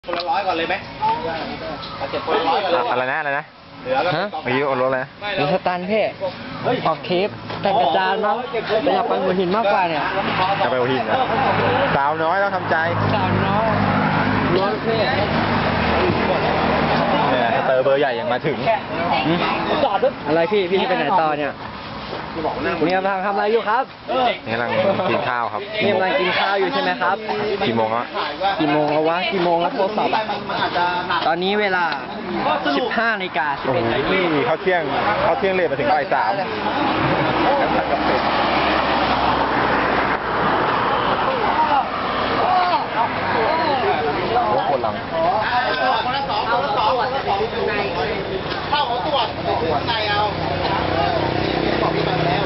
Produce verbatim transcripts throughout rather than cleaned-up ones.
คนละร้อยก่อนเลยไหมเอาเจ็บคนละร้อยก่อนเลยอะไรนะอะไรนะเหลือก็ฮะเมื่อกี้โอนรถเลยหรือสตันเพ่ออกเทปแต่งกระจานมั้งแต่อยากไปหัวหินมากกว่าเนี่ยจะไปหัวหินนะสาวน้อยต้องทำใจสาวน้อยร้อยเพ่เนี่ยสเตอร์เบอร์ใหญ่ยังมาถึงอะไรพี่พี่จะไปไหนต่อเนี่ยเนี่ยกำลังทำอะไรอยู่ครับนี่กำลังกินข้าวครับนี่กำลังกินข้าวอยู่ใช่ไหมครับกี่โมงแล้วกี่โมงแล้ววะกี่โมงแล้วโทรศัพท์อะตอนนี้เวลาสิบห้านาฬิกาสิบโอ้เอ็ดโหนาทีเขาเที่ยงเขาเที่ยงเลทมาถึงบ่ายสามรถคนหลังคนละสองคนละสองคนละสองเข้าของตรวจข้างในเอาบอกพี่มาแล้ว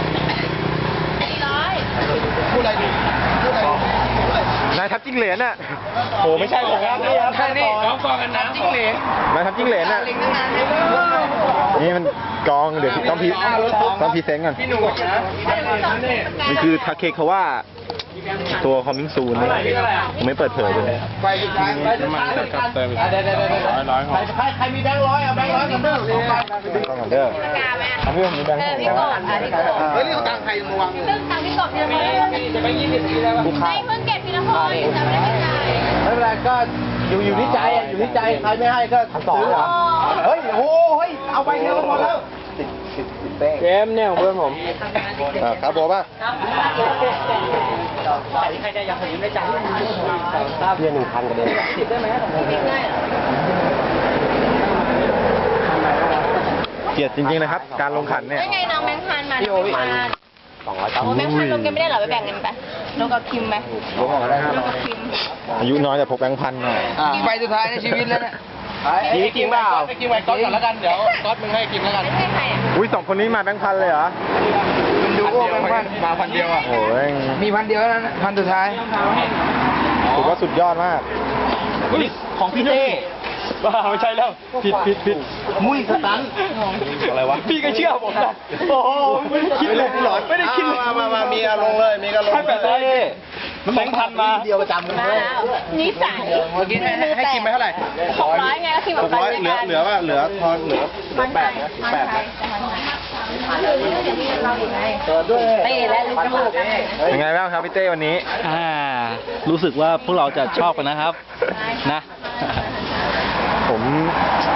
พูดอะไรดีพูดอะไรดีนายทับจิ้งเหลนน่ะโหไม่ใช่ผมครับนี่ครับแค่นี้กองกองกันน้ำจิ้งเหลนนายทับจิ้งเหลนน่ะนี่มันกองเดี๋ยวต้องพีต้องพีเซนต์ก่อนมันคือทาเคคาว่าตัวคอมมิ่งซูนไม่เปิดเผยเลยไปสุดท้ายไปสุดท้ายกับเติมร้อยร้อยของใครใครมีแบงค์ร้อยเอาแบงค์ร้อยกันเด้อต้องกันเด้อเอาเพื่อนมีแบงค์เออพี่กบอ่ะพี่กบเฮ้ยนี่ตังใครมาวางซึ่งตังพี่กบพี่ละคนจะไปยี่สิบปีแล้วไม่เพิ่งเก็บพี่ละคนจะไม่ได้จ่ายไม่เป็นไรก็อยู่อยู่ที่ใจอยู่ที่ใจใครไม่ให้ก็ซื้อเหรอเฮ้ยโอ้เฮ้ยเอาไปเดียวก็พอแล้วเกมเนี่ยของเพื่อนผมครับโบป่ะใครจะอยากผมได้จ่ายเพียหนึ่งพันกันเลยติดได้ไหมเกลียดจริงๆนะครับ การลงขันเนี่ยได้ไงน้องแบงค์พันมาน้องแบงค์พันโอ้แบงค์พันลงกันไม่ได้เหรอไปแบ่งกันไปลงกับคิมไหมลงออกมาได้ห้าลร้งอยกับคิมอายุน้อยแต่พกแบงค์พันหน่อยใบสุดท้ายในชีวิตแล้วเนี่ยกินกินเปล่าไปกินไว้ก๊อตก่อนแล้วกันเดี๋ยวก๊อตมึงให้กินแล้วกันไม่ใช่ใครอ่ะอุ้ยสองคนนี้มาแบงค์พันเลยเหรอมันดูโอ้แบงค์พันมาพันเดียวอ่ะโอ้ยมีพันเดียวแล้วนะพันสุดท้ายถือว่าสุดยอดมากของพี่เต้บ้าไม่ใช่แล้วผิดผิดผิดมุ้ยสตันอะไรวะพี่ก็เชื่อผมนะโอ้โหไม่ได้คิดเลยหลอนไม่ได้คิดมามามามีอารมณ์เลยมีอารมณ์ให้แปดร้อยแบงค์พันมาเดียวประจำมาแล้วนิสัยเมื่อกี้ให้ให้กินไปเท่าไหร่หกร้อยไงแล้วคิมหกับกร้อยเหลือเหลือว่าเหลือทอนเหลือมันแปไทดยนะมันแปดไทนะยแต่มันไทยคือเดี๋ยวมีเราอยู่ไงเต้และลูกลูกเป็นไงบ้างครับพี่เต้วันนี้อ่ารู้สึกว่าพวกเราจะชอบกันนะครับ นะผม